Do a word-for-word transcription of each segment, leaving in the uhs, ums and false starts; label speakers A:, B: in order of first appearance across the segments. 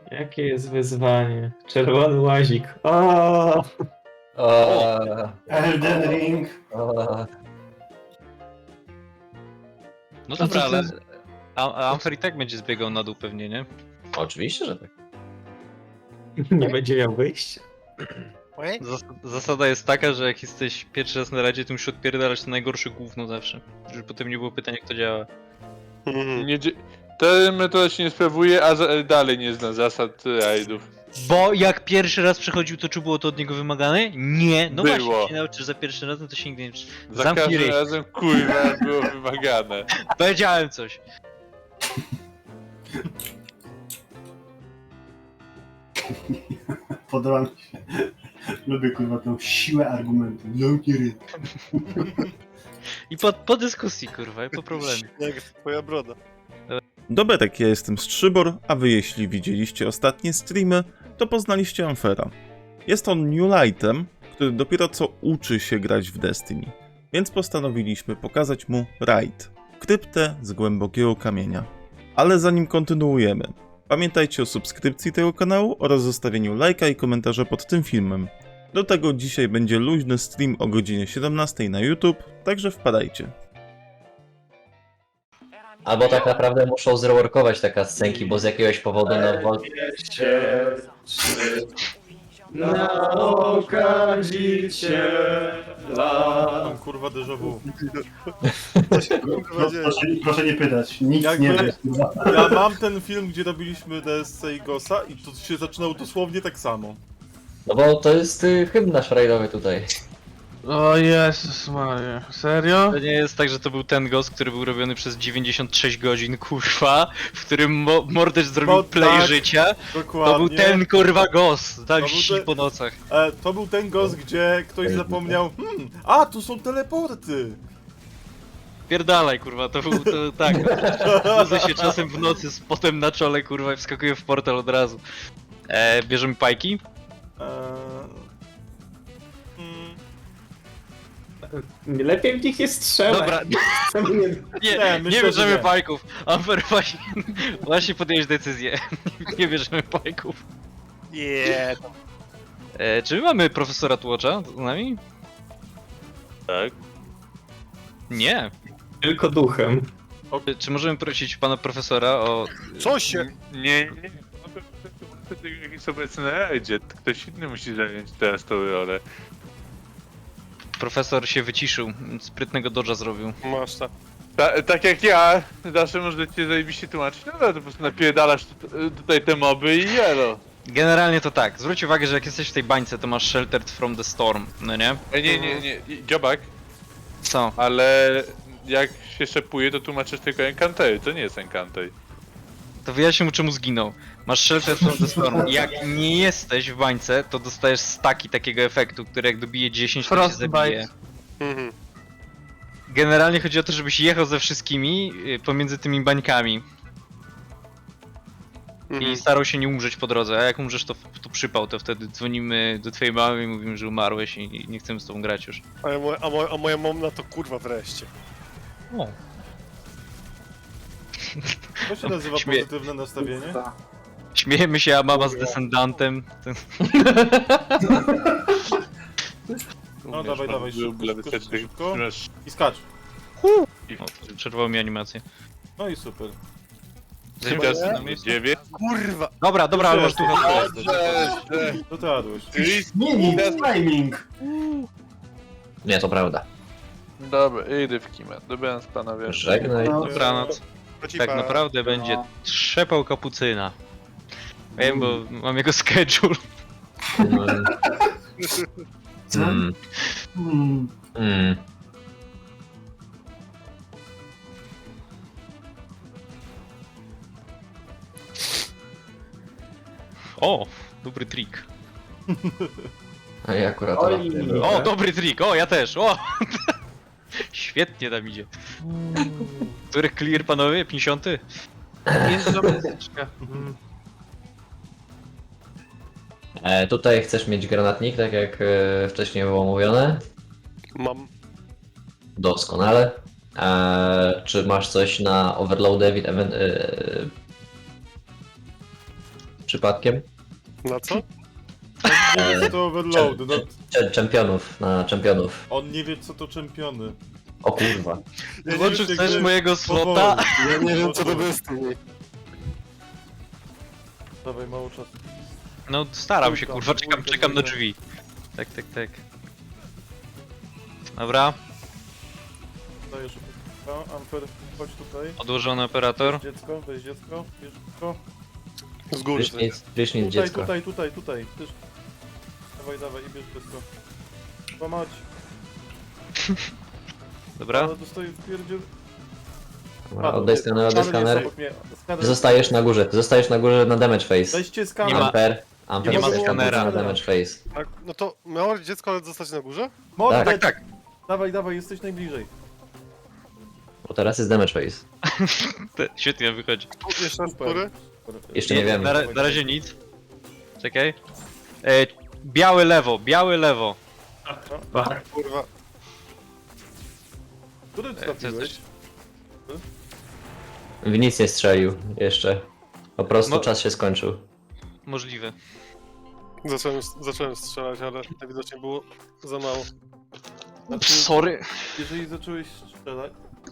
A: Jakie jest wyzwanie? Czerwony łazik. O!
B: O,
C: Elden Ring.
B: o.
D: No
A: to
D: dobra,
A: to
D: ale
A: jest-
D: A- a Amfer i tak będzie zbiegał na dół pewnie, nie?
B: Oczywiście, że tak.
A: Nie będzie miał wyjścia.
E: Oj?
D: Zas zasada jest taka, że jak jesteś pierwszy raz na radzie, to musisz odpierdalać to najgorsze gówno zawsze. Żeby potem nie było pytania, kto działa.
F: Nie, dzie- ta metoda się nie sprawuje, a za- dalej nie zna zasad raidów.
D: Bo jak pierwszy raz przechodził, to czy było to od niego wymagane? Nie. No właśnie,
F: Było.
D: jak się nauczysz za pierwszym razem, to się nigdy nie...
F: Za
D: Zamknij
F: każdym
D: ryj.
F: razem kurwa było wymagane.
D: Powiedziałem coś.
C: Podoba mi się. Lubię kurwa tą siłę argumentu. Zamknij ryj.
D: I po, po dyskusji, kurwa, i po problemie.
E: Jak twoja broda.
G: Doberek, ja jestem Strzybor, a wy jeśli widzieliście ostatnie streamy, to poznaliście Amfera. Jest on Newlightem, który dopiero co uczy się grać w Destiny, więc postanowiliśmy pokazać mu raid, kryptę z głębokiego kamienia. Ale zanim kontynuujemy, pamiętajcie o subskrypcji tego kanału oraz zostawieniu lajka i komentarza pod tym filmem. Do tego dzisiaj będzie luźny stream o godzinie siedemnastej na YouTube, także wpadajcie.
B: Albo tak naprawdę muszą zreworkować te scenki, bo z jakiegoś powodu na wol...
A: Nauka dzieciela.
H: Mam kurwa déjà vu.
C: Pro, proszę, proszę nie pytać. Nic
H: Jakby-
C: nie wiesz. kurwa.
H: Ja mam ten film, gdzie robiliśmy D S C i Gosa i to się zaczynało dosłownie tak samo.
B: No bo to jest y, hymn nasz rajdowy tutaj.
I: O Jezus Maria, serio?
D: To nie jest tak, że to był ten ghost, który był robiony przez dziewięćdziesiąt sześć godzin, kurwa, w którym mo Mordecz zrobił
H: No
D: play
H: tak,
D: życia.
H: Dokładnie.
D: To był ten kurwa ghost, tak
H: był
D: wsi
H: ten-
D: po nocach.
H: E, to był ten ghost, gdzie ktoś zapomniał, hmm, a tu są teleporty.
D: Pierdalaj, kurwa, to był, to tak. Budzę się czasem w nocy z potem na czole, kurwa, i wskakuję w portal od razu. E, bierzemy pajki?
H: E, mm,
A: Lepiej w nich nie strzelać.
D: Dobra,
A: Chcemy nie-
D: nie,
H: Nie,
D: nie,
H: myślę, że
D: bierzemy
H: nie.
D: pajków. Amber, właśnie, właśnie podjąłeś decyzję. Nie bierzemy pajków.
E: Nie.
D: E, czy my mamy profesora Tłocza z nami?
F: Tak.
D: Nie.
A: Tylko duchem.
D: E, Czy możemy prosić pana profesora o...
E: Co się?
F: Nie, nie. Jak jest obecny na rajdzie, ktoś inny musi zająć teraz tą rolę.
D: Profesor się wyciszył, sprytnego dodża zrobił.
E: Masz ta.
F: Ta, tak jak ja, zawsze możecie zajebiście tłumaczyć, no to po prostu napierdalasz tu- tutaj te moby i jelo.
D: Generalnie to tak, zwróć uwagę, że jak jesteś w tej bańce, to masz sheltered from the storm, no nie?
F: E, nie, nie, nie, dziobak,
D: Co?
F: ale jak się szepuje, to tłumaczysz tylko encantery, to nie jest encantery.
D: To wyjaśnię mu czemu zginął. Masz sheltered from the storm. Jak nie jesteś w bańce, to dostajesz staki takiego efektu, który jak dobije dziesięć, to się
I: Frostbite.
D: zabije.
E: Mhm.
D: Generalnie chodzi o to, żebyś jechał ze wszystkimi y, pomiędzy tymi bańkami
E: Mhm.
D: i starał się nie umrzeć po drodze, a jak umrzesz to, to przypał, to wtedy dzwonimy do twojej mamy i mówimy, że umarłeś i i nie chcemy z tobą grać już.
E: A, ja, mo- a, mo- a moja mamna to kurwa wreszcie.
D: O.
H: to się nazywa
D: Śmie-
H: pozytywne nastawienie.
D: Śmiejemy się, a mama z descendantem. Ten...
H: No dawaj, dawaj, szybko, szybko, szybko, szybko.
F: Masz-
H: I skacz.
D: O, przerwało mi animację.
H: No i super.
F: Teraz
D: na
F: na
D: miejscu?
F: dziewięć.
E: Kurwa!
D: Dobra, dobra, ale masz tu
H: No to jadłeś.
C: Mini, timing.
B: Nie, to prawda.
F: Dobra, idę w kimę. Dobranoc panowie.
B: Żegnaj.
C: No.
D: Dobranoc. Tak naprawdę będzie trzepał kapucyna. Wiem, bo mam jego schedule.
B: Mm.
C: Co?
B: Mm.
C: Hmm.
B: Mm.
D: O, dobry trik.
B: A ja akurat...
A: Oj.
D: O, dobry trik, o, ja też, o! Świetnie tam idzie. Których clear, panowie? pięćdziesiąty?
I: Jest do muzyczka.
B: E, tutaj chcesz mieć granatnik, tak jak e, wcześniej było mówione.
E: Mam.
B: Doskonale. E, czy masz coś na Overload David? Even, e, przypadkiem?
E: Na co?
H: Nie jest to overload, no,
B: Cze- Czempionów, na czempionów.
H: on nie wie co to czempiony.
B: O kurwa.
H: Ja nie
D: Włączył
H: wiem,
D: chcesz
H: gry
D: mojego slota?
H: powoli.
E: Ja nie wiem co to Destiny.
H: Dawaj, mało czasu.
D: No staram się
H: Dwójka,
D: kurwa, czekam,
H: dwójka,
D: czekam na
H: dwójka.
D: drzwi. Tak, tak, tak. Dobra,
H: Dajesz szybko. Amfer, chodź tutaj.
D: odłożony operator.
H: Dziecko, weź dziecko, bierz dziecko.
E: Z góry.
B: Prysznic, prysznic
H: Tutaj,
B: dziecko.
H: tutaj, tutaj, tutaj. Tyż. Dawaj, dawaj i bierz dziecko. Pomać,
D: Dobra.
H: ale dostaję w pierdziel.
B: Dobra, oddaj skaner, oddaj skaner.
H: Skaner.
B: Ty zostajesz na górze, ty zostajesz na górze na damage face.
H: Weźcie skaner.
D: Nie ma-
B: Amper, Amper
D: nie ma
B: zostajesz na górze
D: skanera.
B: na damage face.
E: Tak, no to miało dziecko ale zostać na górze?
H: Mordę!
B: Tak,
D: tak.
H: Dawaj, dawaj, jesteś najbliżej.
B: Bo teraz jest damage face.
D: Te- Świetnie wychodzi.
E: Tu jeszcze raz
H: Super.
E: góry?
B: Jeszcze nie wiemy.
D: Na, ra- na razie nic. Czekaj. E, biały lewo, biały lewo.
E: Kurwa.
H: Który
D: E, co,
H: trafiłeś?
D: coś?
B: W nic nie strzelił jeszcze. Po prostu
D: No.
B: czas się skończył.
D: Możliwe.
E: Zacząłem, zacząłem strzelać, ale widocznie było za mało.
H: Znaczy,
D: Sorry.
H: jeżeli zacząłeś strzelać...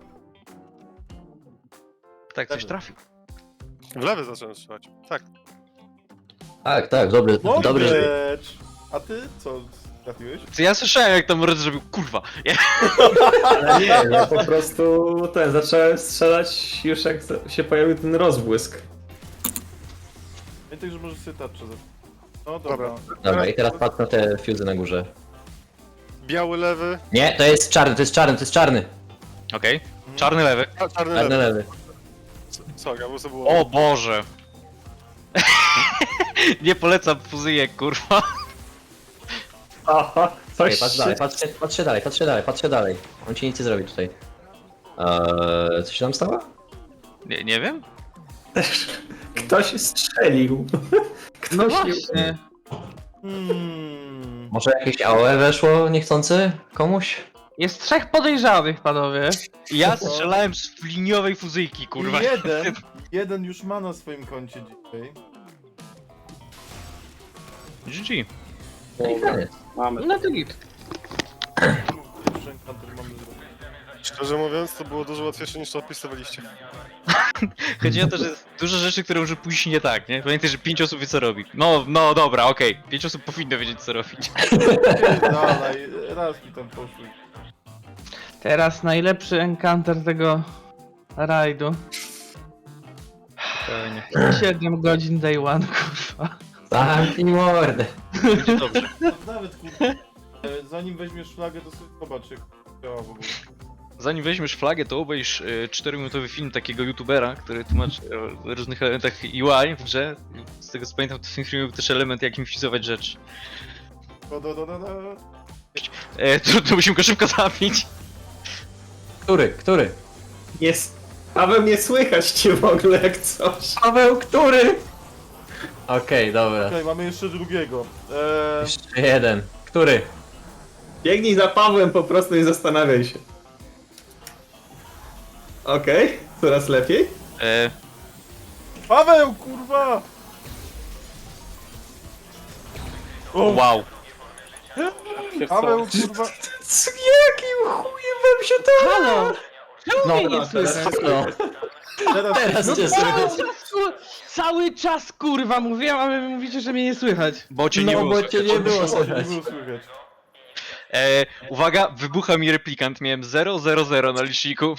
D: Tak, coś trafił.
E: W lewy zacząłem strzelać. Tak.
B: Tak, tak, dobry, dobry.
H: Mordecz! A ty co trafiłeś?
D: Co ja słyszałem jak tam Mordecz zrobił, kurwa. Ja,
B: Ale nie, ja po prostu ten, zacząłem strzelać już jak się pojawił ten rozbłysk.
H: Pamiętaj, że możesz sobie tarczę zacząć. No dobra.
E: Dobra.
B: Dobra, i teraz patrz na te fuzy na górze.
E: Biały lewy,
B: Nie, to jest czarny, to jest czarny, to jest czarny.
D: Okej. Czarny lewy.
E: a czarny
B: Czarny
E: lewy.
B: lewy.
E: Co, ja to było...
D: O Boże. Nie polecam fuzyjek, kurwa.
B: Aha, Ej, patrz dalej, patrz, patrz się dalej, patrz się dalej, patrz się dalej. On ci nic nie zrobi tutaj. Eee, co się tam stało?
D: Nie, nie wiem.
B: Ktoś strzelił.
I: No właśnie.
H: Hmm.
B: Może jakieś A O E weszło niechcący komuś?
I: Jest trzech podejrzanych, panowie.
D: Ja strzelałem z liniowej fuzyjki, kurwa.
H: I jeden, jeden już ma na swoim koncie dzisiaj.
D: G G.
B: I koniec.
I: No to git.
H: Pierwszy encounter mamy zrobić.
E: Szczerze mówiąc, to było dużo łatwiejsze niż to opisywaliście.
D: Chodzi o to, że jest dużo rzeczy, które może pójść nie tak, nie? Pamiętaj, że pięć osób wie co robi. No, no dobra, okej. Pięć osób powinno wiedzieć co robić.
H: Dalej, raz mi tam poszły.
I: Teraz najlepszy encounter tego rajdu.
D: Spokojnie.
I: siedem godzin day one, kurwa.
B: Zamknij mordę.
D: Będzie dobrze.
H: Nawet kurwa, e, zanim weźmiesz flagę, to sobie zobacz jak działa w ogóle.
D: Zanim weźmiesz flagę, to obejrz y, czterominutowy film takiego youtubera, który tłumaczy o różnych elementach U I w grze. Z tego co pamiętam, to w tym filmie był też element, jak infizować rzeczy.
H: Da, da, da, da, da.
D: E, trudno, musimy go szybko zabić.
B: Który, który?
A: Jest. Paweł, nie słychać cię w ogóle jak coś.
B: Paweł, który? Okej, dobra.
H: Okej, mamy jeszcze drugiego. Eee,
B: Jeszcze jeden. Który?
A: Biegnij za Pawłem po prostu i zastanawiaj się. Okej, coraz lepiej.
D: E,
H: Paweł, kurwa! O,
D: wow.
H: Paweł, kurwa!
A: Z jakim chujem wam się to...
I: Halo! Czemu
B: No,
I: mnie nie
B: no,
I: słychać?
B: teraz, no.
H: Teraz,
B: Teraz
H: no,
B: cię
I: Cały
B: słychać.
I: czas, kur- cały czas kurwa mówiłem, a wy mówicie, że mnie nie słychać.
D: Bo cię nie
B: No,
D: było
B: bo cię
D: słychać.
B: nie było
H: nie
B: słychać.
H: było słychać.
D: E, uwaga, wybucha mi replikant, miałem zero zero zero na liczniku.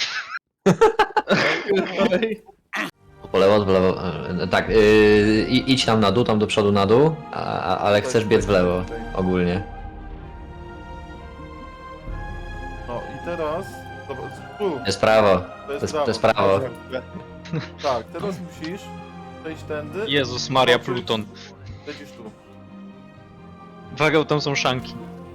B: Po lewo, w lewo. e, Tak, yy, i- idź tam na dół, tam do przodu na dół, a, a, ale chcesz biec w lewo ogólnie.
H: No i teraz... Dobra, tu,
B: Jest prawo.
H: to jest
B: jest-
H: prawo.
B: to jest prawo.
H: Tak, teraz musisz przejść tędy.
D: Jezus Maria Pluton.
H: Lecisz tu.
D: Uwaga, bo tam są szanki.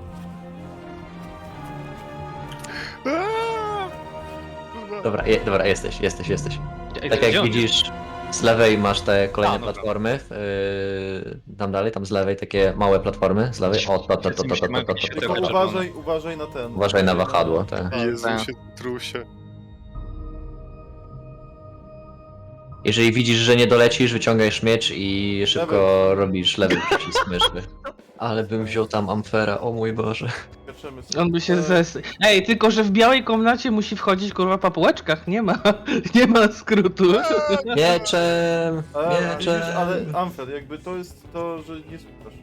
B: Dobra, je, dobra, jesteś, jesteś, jesteś.
D: Ej,
B: Tak
D: gdzie
B: jak
D: on jest?
B: widzisz, z lewej masz te kolejne
D: A, dobra.
B: platformy. Yy, tam dalej, tam z lewej takie małe platformy. Z lewej. O, to, to, to, to, to, to, to, to,
H: Tylko
B: to, to.
H: uważaj, uważaj na ten.
B: Uważaj na wahadło, tak.
E: Jezusie, trusie.
B: Jeżeli widzisz, że nie dolecisz, wyciągasz miecz i szybko robisz lewy przycisk myszy. Ale bym wziął tam Amfera, o mój Boże.
H: Skaczemy
I: On by się
H: sobie.
I: zes... Ej, tylko że w białej komnacie musi wchodzić kurwa po półeczkach, nie ma, nie ma skrótu.
B: Mieczem,
H: A, widzisz, ale
B: mieczem.
H: Amfer, jakby to jest to, że nie słuchasz.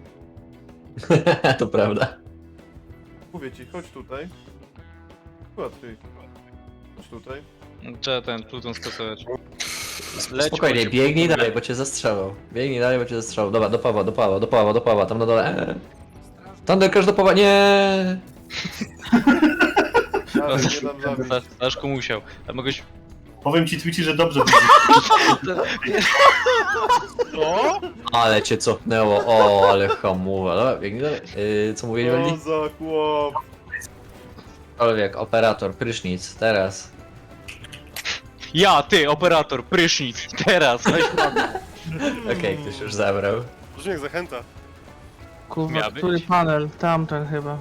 B: To prawda.
H: Mówię ci, chodź tutaj. Łatwiej. Chodź tutaj.
D: Trzeba ten Pluton skasować. Leć,
B: Spokojnie,
D: macie
B: biegnij
D: Pluton,
B: dalej, bo cię zastrzelą. Biegnij dalej, bo cię zastrzelą. Dobra, do Pawła, do Pawła, do Pawła, do Pawła, tam na dole. Eee. Thundercrash do Pawła, nie.
H: Ale nie dam zabić.
D: Stasz- Staszku musiał. A mogłeś...
C: Powiem ci, Twitchi, że dobrze
E: O!
B: Ale cię cofnęło, o, ale hamuwa. Dobra, biegnij dalej. Yy, co mówię,
H: Co
B: Weli?
H: za chłop.
B: Cokolwiek, operator, prysznic, teraz.
D: Ja, ty, operator, prysznic, teraz, weź mam.
B: Okej, ktoś już zabrał.
E: Brzmiek zachęta.
I: Kurwa,
D: Miała
I: który
D: być.
I: panel? Tamten chyba.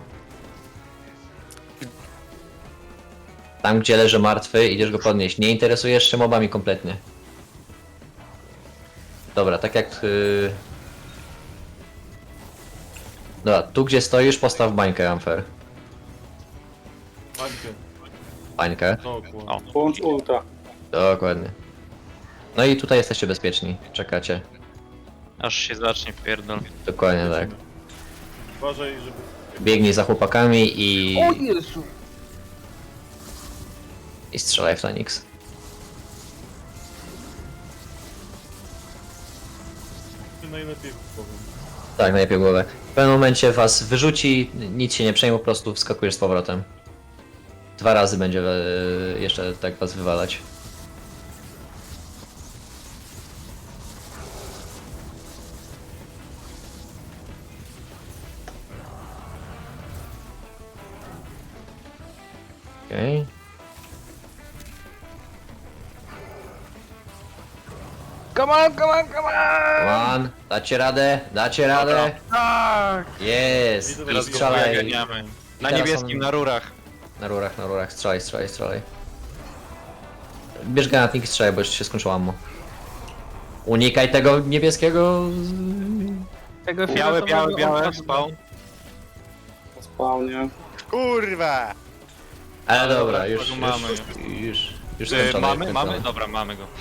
B: Tam, gdzie leży martwy, idziesz go podnieść. Nie interesujesz się mobami kompletnie. Dobra, tak jak... Yy... Dobra, tu gdzie stoisz, postaw bańkę, Amfer.
H: Mańkę.
B: Bańkę.
H: No, chłop.
D: O.
C: Połącz ulta.
B: Dokładnie. No i tutaj jesteście bezpieczni. Czekacie.
D: Aż się zacznie, pierdol.
B: Dokładnie tak.
H: Uważaj, żeby...
B: Biegnij za chłopakami i...
I: O Jezu!
B: i strzelaj w Tanix.
H: Najlepiej powiem.
B: Tak, najlepiej głowę. W pewnym momencie was wyrzuci, nic się nie przejmie, po prostu wskakujesz z powrotem. Dwa razy będzie e, jeszcze tak was wywalać. Okej. Okay.
I: Come on, come on, come on!
B: One, dacie radę, dacie radę.
I: Tak!
B: Jest! I
H: Teraz
D: go
B: strzelaj.
D: poganiamy. Na
B: teraz
D: niebieskim,
B: on-
D: na rurach.
B: Na rurach, na rurach, strzelaj, strzelaj, strzelaj. Bierz granatnik i strzelaj, bo już się skończyło ammo. Unikaj tego niebieskiego...
I: Tego
D: Białe, białe,
I: fioletowego
D: białe,
I: odpadł.
D: spał.
C: Spawnie.
E: Kurwa!
B: Ale dobra, już,
D: już
B: już,
D: mamy.
B: już, już
D: E,
B: skończone,
D: mamy,
B: skończone.
D: mamy? Dobra, mamy go.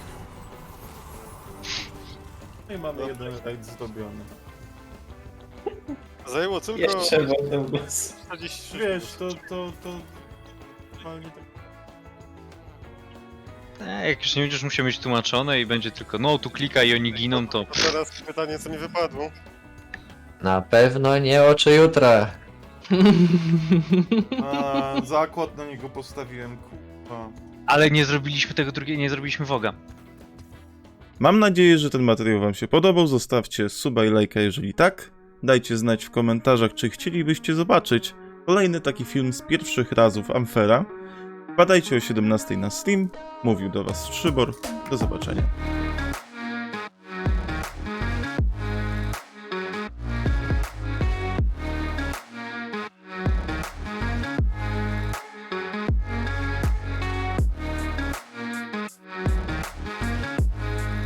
H: No i mamy jeden rajd zdobiony.
E: Zajęło tylko
A: Jeszcze wodę bez.
E: czterdzieści trzy.
H: Wiesz, to, to, to... Normalnie tak...
D: E, jak już nie będziesz musiał mieć tłumaczone i będzie tylko no tu klika i oni giną, to...
E: To teraz pytanie, co nie wypadło.
B: Na pewno nie oczy jutra.
H: A, zakład na niego postawiłem, kurwa.
D: Ale nie zrobiliśmy tego drugiego, nie zrobiliśmy woga.
G: Mam nadzieję, że ten materiał wam się podobał. Zostawcie suba i lajka, jeżeli tak. Dajcie znać w komentarzach, czy chcielibyście zobaczyć kolejny taki film z pierwszych razów Amfera. Wpadajcie o siedemnastej na stream. Mówił do was Szybor. Do zobaczenia.